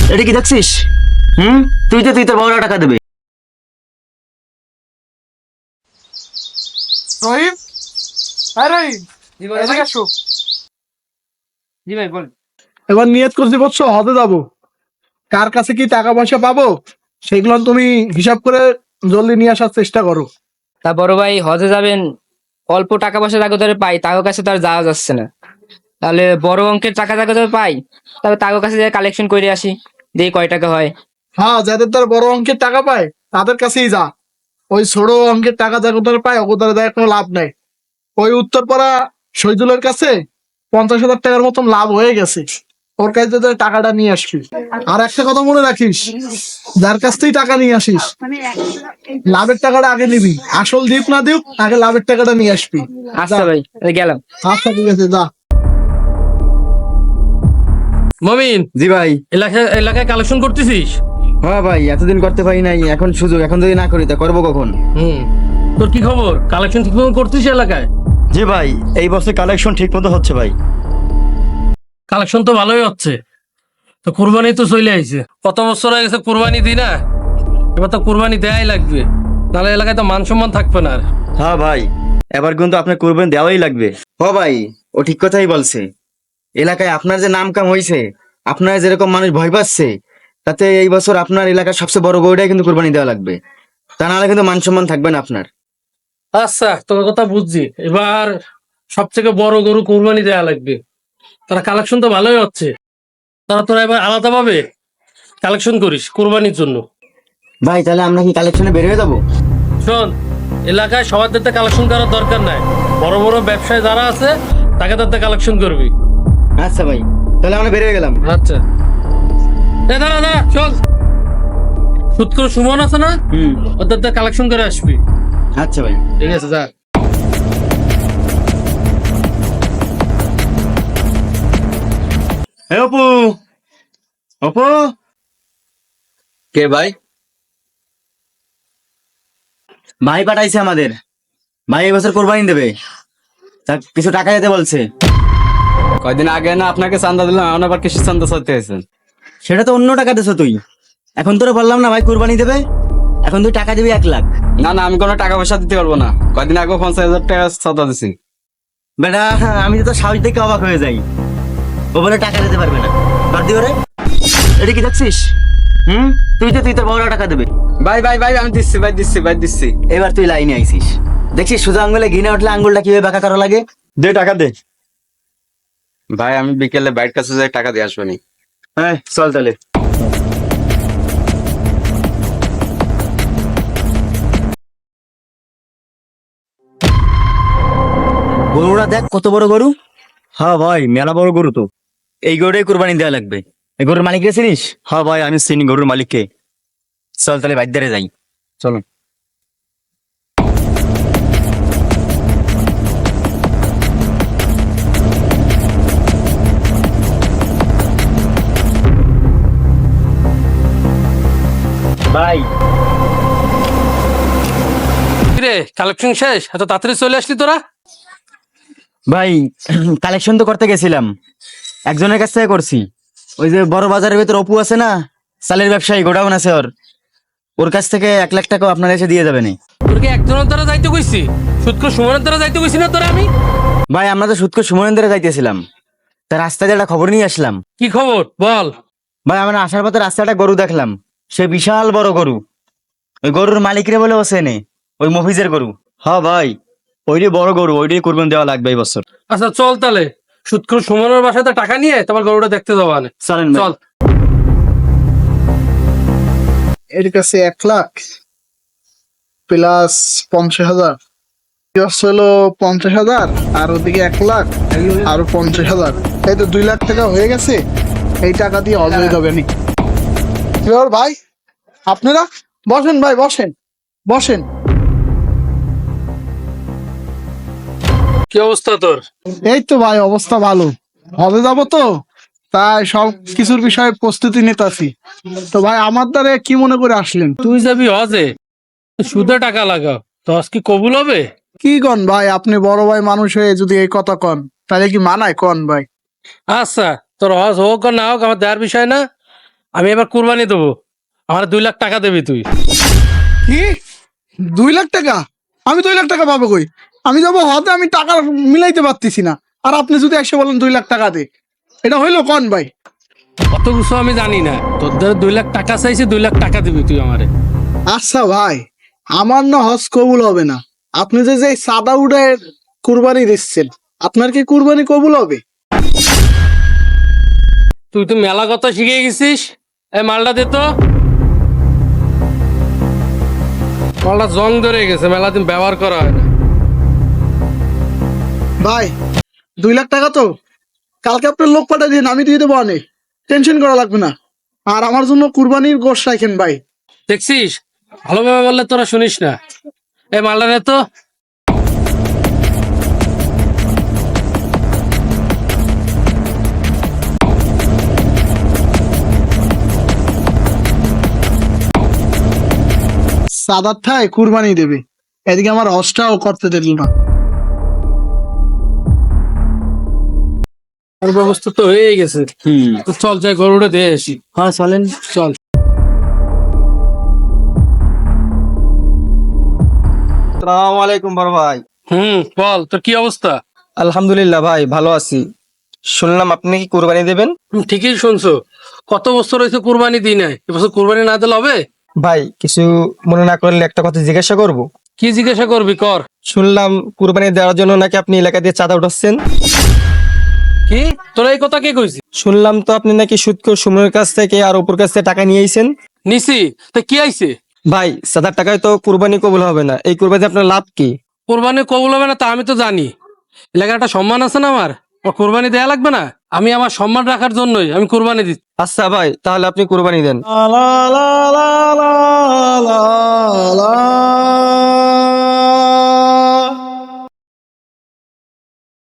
এটা কি দেখছিস? হুম, তুই তোর বাবারা টাকা দেবে। রহিম, হ্যাঁ রহিম, জি ভাই, এদিকে আসো। জি ভাই বল। এবার নিয়ত করছি বলছো হজে যাবো, কার কাছে কি টাকা পয়সা পাবো সেগুলো তুমি হিসাব করে জলদি নিয়ে আসার চেষ্টা করো। তা বড় ভাই হজে যাবেন, অল্প টাকা পয়সা যাকে ধরে পাই তার কাছে তো আর যাওয়া যাচ্ছে না। তাহলে বড় অঙ্কের টাকা যাকে ধরে পাই, তবে তার কাছে যাই কালেকশন করে আসি, দেখি কয় টাকা হয়। হ্যাঁ, যাদের তার বড় অঙ্কের টাকা পায় তাদের কাছেই যা। ওই ছোট অঙ্কের টাকা যাদের তারা পায় ওদের দেয় কোনো লাভ নাই। ওই উত্তরপাড়া শহীদুলের কাছে 50,000 টাকার মতন লাভ হয়ে গেছে, ওর কাছে তোদের টাকাটা নিয়ে আসবি। আর একটা কথা মনে রাখিস, যার কাছ থেকে টাকা নিয়ে আসিস লাভের টাকাটা আগে নিবি, আসল দিক না দিক আগে লাভের টাকাটা নিয়ে আসবি। যা। আচ্ছা ভাই, তাহলে গেলাম। আচ্ছা ঠিক আছে, যা। মমিন, জি ভাই। এলাকায় কালেকশন করতেছিস? হ্যাঁ ভাই, এতদিন করতে পারি নাই, এখন সুযোগ, এখন যদি না করি তা করবো কখন? তোর কি খবর? কালেকশন ঠিক মতো করছিস এলাকায়? জি ভাই, এই বছর কালেকশন ঠিক মতো হচ্ছে ভাই। কালেকশন তো ভালোই হচ্ছে। তো কুরবানি তো চলে আইছে, কত বছর হয়ে গেছে কুরবানি দিই না, এবার তো কুরবানি দেয়াই লাগবে, নাহলে এলাকায় তো মান সম্মান থাকবে না আর। হ্যাঁ ভাই, এবার কিন্তু আপনার কুরবানি দেওয়াই লাগবে। ও ভাই, ও ঠিক কথাই বলছে। এলাকায় আপনার যে নাম কাম হয়েছে, আপনার যেরকম মানুষ ভয় পাচ্ছে, তাতে এই বছর আপনার এলাকার সবচেয়ে বড় গরুটাই কিন্তু কুরবানি দেওয়া লাগবে, তা নাহলে কিন্তু মান সম্মান থাকবে না আপনার। আচ্ছা, তোর কথা বুঝছি। এবার সব থেকে বড় গরু কুরবানি দেয়া লাগবে, তারা কালেকশন তো ভালোই হচ্ছে, তোরা এবার আলাদা ভাবে কালেকশন করিস কুরবানির জন্য। ভাই তাহলে আমরা কি কালেকশনে বের হয়ে যাবো? শোন, এলাকায় সবার দিতে কালেকশন করার দরকার নাই, বড় বড় ব্যবসায়ী যারা আছে তাকে তাদের কালেকশন করবি। আচ্ছা ভাই, তাহলে আমরা বের হয়ে গেলাম। আচ্ছা, এ দাঁড়া দাঁড়া, চল। সুৎকর সুমন আছে না, হুম। ওদের কালেকশন করে আসবি। আচ্ছা ভাই। ঠিক আছে, যা। হে অপু, অপু। কে ভাই? ভাই পাঠাইছে আমাদের, ভাই এই বছর কোরবানি দেবে, তা কিছু টাকা দিতে বলছে। কয়দিন আগে না আপনাকে চান্দা দিলাম, এখন আবার কিসের চান্দা চাইতে আছেন? সেটা তো অন্য টাকা দিছো তুই, এখন তোরা বললাম না ভাই কোরবানি দেবে, এখন তুই টাকা দিবি 1 লাখ। না না, আমি কোনো টাকা পয়সা দিতে পারবো না। কয়দিন আগে 50,000 টাকা চান্দা দিছি। বেটা, আমি তো তোর সাহস দেখে অবাক হয়ে যাই, ও বলে টাকা দিতে পারবে না, বাদ দিও রে। এটা কি দেখছিস? হুম, তুই তোর বাবারা টাকা দেবে। ভাই ভাই ভাই, আমি দিচ্ছি ভাই, দিচ্ছি। এবার তুই লাইনে আইছিস, দেখছিস সোজা আঙ্গুলে ঘি না উঠলে আঙ্গুলটা কিভাবে বাঁকা করা লাগে। দে টাকা দে। ভাই আমি বিকেলে বাইরের কাছে যাই, টাকা দিয়ে আসবেনি। হ্যাঁ চল তাহলে। গরুটা দেখ কত বড় গরু। হ্যাঁ ভাই, মেলা বড় গরু তো। এই গরুটাই কুরবানি দেওয়া লাগবে। এই গরুর মালিক রে চিনিস? হ্যাঁ ভাই, আমি চিনি গরুর মালিককে। চল তাহলে বাইদারে যাই, চলো। ভাই কিরে, কালেকশন শেষ? এত তাড়াতাড়ি চলে আসলি তোরা? ভাই, কালেকশন তো করতে গেছিলাম, একজনের কাছ থেকে করছি। ওই যে বড় বাজারের ভেতর অপু আছে না, চালের ব্যবসায়ী, গোডাউন আছে ওর, ওর কাছ থেকে 1 লাখ টাকা আপনার এসে দিয়ে যাবেন। তোর কি একজনের দ্বারা যাইতে কইছি? সুৎকর সুমনের দ্বারা যাইতে কইছি না তোরা আমি? ভাই আমরা তো সুৎকর সুমনেন্দ্রে যাইতেছিলাম, তা রাস্তায় একটা খবর নিয়ে আসলাম। কি খবর বল। ভাই আমরা আসার পথে রাস্তায় একটা গরু দেখলাম, সে বিশাল বড় গরু। ওই গরুর মালিকরে বলে ও চেনে, ওই মফিজের গরু। হ্যাঁ ভাই, ওইটাই বড় গরু, ওইটাই কুরবানি দেওয়া লাগবে এই বছর। আচ্ছা চল তাহলে, সুৎকর সুমনের বাসাতে টাকা নিয়ে তোমার গরুটা দেখতে যাওয়া আনে। চলেন ভাই। চল। এর কাছে 1 লাখ প্লাস 50,000, হলো 50,000, আর ওদিকে 1 লাখ, আরো 50,000, এই তো 2 লাখ টাকা হয়ে গেছে। এই টাকা দিয়ে হজ হয়ে যাবে নি। কি ব্যাপার ভাই, আপনারা বসেন ভাই, বসেন বসেন। কি অবস্থা তোর? এই তো ভাই অবস্থা ভালো, হজে যাবো তো, তাই সব কিছুর বিষয়ে প্রস্তুতি নিতেছি। তো ভাই আমার দ্বারা কি মনে করে আসলেন? তুই যাবি হজে, সুদে টাকা লাগাও, তো হজ কি কবুল হবে? কি কন ভাই, আপনি বড় ভাই মানুষ হয়ে যদি এই কথা কন তাহলে কি মানায় কন ভাই? আচ্ছা, তোর হজ হোক আর না হোক আমার দেওয়ার বিষয় না। আমি এবার কুরবানি দেবো, আমার 2 লাখ টাকা দেবি তুই। কি 2 লাখ টাকা? আমি 2 লাখ টাকা পাবো কই? আমি যাবো হতে, আমি টাকা মিলাইতে পারতেছি না, আর আপনি যদি এসে বলেন 2 লাখ টাকা দে, এটা হইলো কোন ভাই? অত কিছু আমি জানি না, তোদের 2 লাখ টাকা চাইছি, 2 লাখ টাকা দিবি তুই আমারে। আচ্ছা ভাই, আমার না হজ কবুল হবে না। আপনি যে যে সাদা উড়ে কুরবানি দিচ্ছেন, আপনার কি কুরবানি কবুল হবে? তুই তো মেলা কথা শিখে গেছিস। এই মালটা দে তো। মালটা জং ধরে গেছে, মেলা দিন ব্যবহার করা হয় না। ভাই 2 লাখ টাকা তো কালকে আপনার লোক পাঠিয়ে দিন, আমি দিয়ে দেবো, অনেক টেনশন করা লাগবে না। আর আমার জন্য কুরবানির গোশত রাখেন ভাই। দেখছিস, ভালোভাবে বললে তোরা শুনিস না। এই মালটা দে তো। সাদার ঠায় কুরবানি দেবে, এদিকে আমার হজটাও করতে দিল না। আর ব্যবস্থা তো হয়ে গেছে। তো চল যাই গরুটা দিয়ে আসি। হ্যাঁ চলেন। চল। আসসালামু আলাইকুম বড় ভাই। বল তোর কি অবস্থা? আলহামদুলিল্লাহ ভাই, ভালো আছি। শুনলাম আপনি কি কুরবানি দেবেন? ঠিকই শুনছো, কত বছর হয়েছে কুরবানি দিই নাই, এবছর কুরবানি না দিলে হবে? ভাই কিছু মনে না করলে একটা কথা জিজ্ঞাসা করব। কি জিজ্ঞাসা করবি কর। শুনলাম কুরবানি দেওয়ার জন্য নাকি আপনি এলাকা দিয়ে চাঁদা উঠাচ্ছেন। কি তোরা এই কথা কে কইছি? শুনলাম তো আপনি নাকি সুদখোর সুমনের কাছ থেকে আর অপুর কাছ থেকে টাকা নিয়েছেন। নিছি, তা কি আইছে? ভাই চাঁদার টাকায় তো কুরবানি কবুল হবে না, এই কুরবানিতে আপনার লাভ কি? কোরবানি কবুল হবে না তা আমি তো জানি। এলাকার একটা সম্মান আছে না আমার, কোরবানি দেয়া লাগবে না? আমি আমার সম্মান রাখার জন্যই আমি কোরবানি দিচ্ছি। আচ্ছা ভাই, তাহলে আপনি কুরবানি দেন। লা লা লা লা লা লা লা